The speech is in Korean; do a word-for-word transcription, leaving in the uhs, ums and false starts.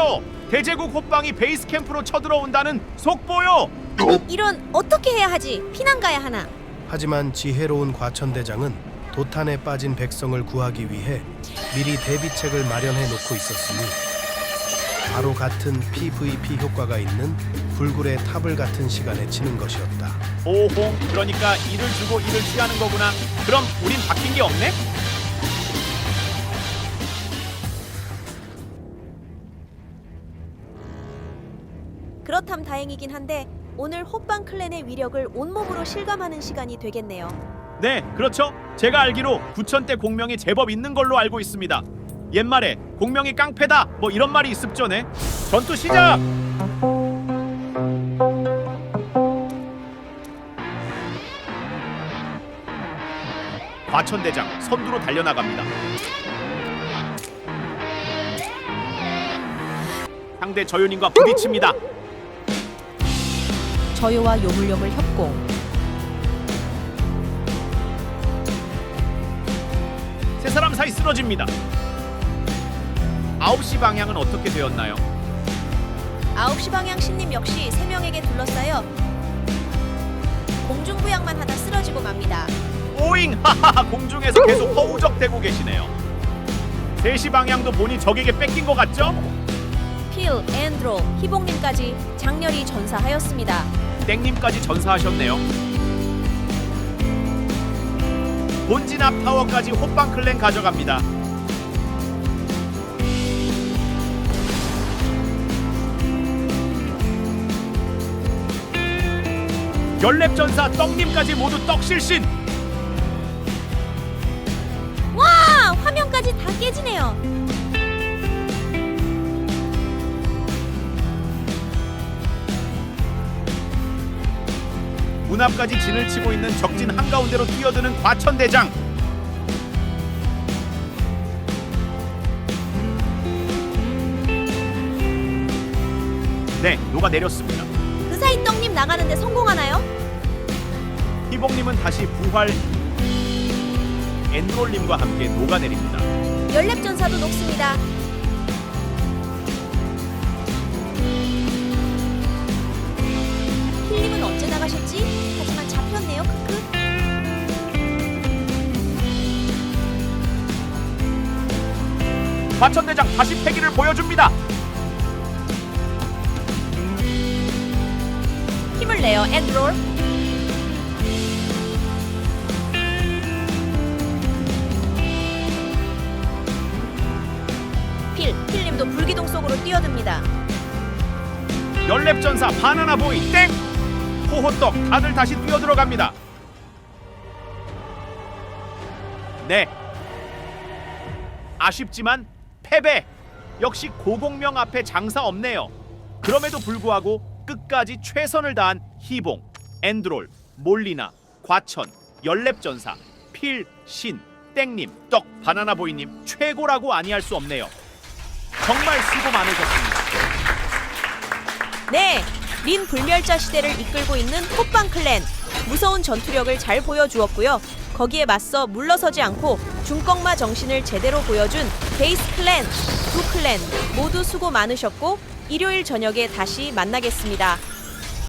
속보요. 대제국 호빵이 베이스 캠프로 쳐들어온다는 속보요. 이런, 어떻게 해야 하지? 피난 가야 하나? 하지만 지혜로운 과천대장은 도탄에 빠진 백성을 구하기 위해 미리 대비책을 마련해 놓고 있었으니 바로 같은 피브이피 효과가 있는 불굴의 탑을 같은 시간에 치는 것이었다. 오호, 그러니까 이를 주고 이를 취하는 거구나. 그럼 우린 바뀐 게 없네? 그렇담 다행이긴 한데 오늘 호빵 클랜의 위력을 온몸으로 실감하는 시간이 되겠네요. 네, 그렇죠. 제가 알기로 구천 대 공명이 제법 있는 걸로 알고 있습니다. 옛말에 공명이 깡패다 뭐 이런 말이 있습죠네. 전투 시작! 과천대장 선두로 달려나갑니다. 상대 저요님과 부딪힙니다. 저요와 요물요물 협공. 세 사람 사이 쓰러집니다. 아홉 시 방향은 어떻게 되었나요? 아홉 시 방향 신님 역시 세 명에게 둘러싸여 공중부양만 하다 쓰러지고 맙니다. 오잉! 하하하! 공중에서 계속 허우적대고 계시네요. 세 시 방향도 보니 적에게 뺏긴 것 같죠? 필, 앤드로, 희봉님까지 장렬히 전사하였습니다. 땡님까지 전사하셨네요. 본진 앞 타워까지 호빵 클랜 가져갑니다. 연랩 전사 떡님까지 모두 떡실신. 와! 화면까지 다 깨지네요. 문 앞까지 진을 치고 있는 적진 한가운데로 뛰어드는 과천대장. 네, 녹아내렸습니다. 그 사이 떡님 나가는데 성공하나요? 희봉님은 다시 부활. 엔롤님과 함께 녹아내립니다. 연랩 전사도 녹습니다. 필님은 언제 나가셨지? 하지만 잡혔네요. 크크. 과천대장 다시 패기를 보여줍니다. 힘을 내요. 엔드롤. 필, 필님도 불기둥 속으로 뛰어듭니다. 연랩 전사 바나나 보이 땡! 호호떡 다들 다시 뛰어들어갑니다. 네, 아쉽지만 패배. 역시 고공명 앞에 장사 없네요. 그럼에도 불구하고 끝까지 최선을 다한 희봉, 엔드롤, 몰리나, 과천, 연랩 전사, 필, 신, 땡님, 떡, 바나나 보이님 최고라고 아니할 수 없네요. 정말 수고 많으셨습니다. 네, 린 불멸자 시대를 이끌고 있는 호빵 클랜. 무서운 전투력을 잘 보여주었고요. 거기에 맞서 물러서지 않고 중꺾마 정신을 제대로 보여준 베이스 클랜, 두 클랜 모두 수고 많으셨고 일요일 저녁에 다시 만나겠습니다.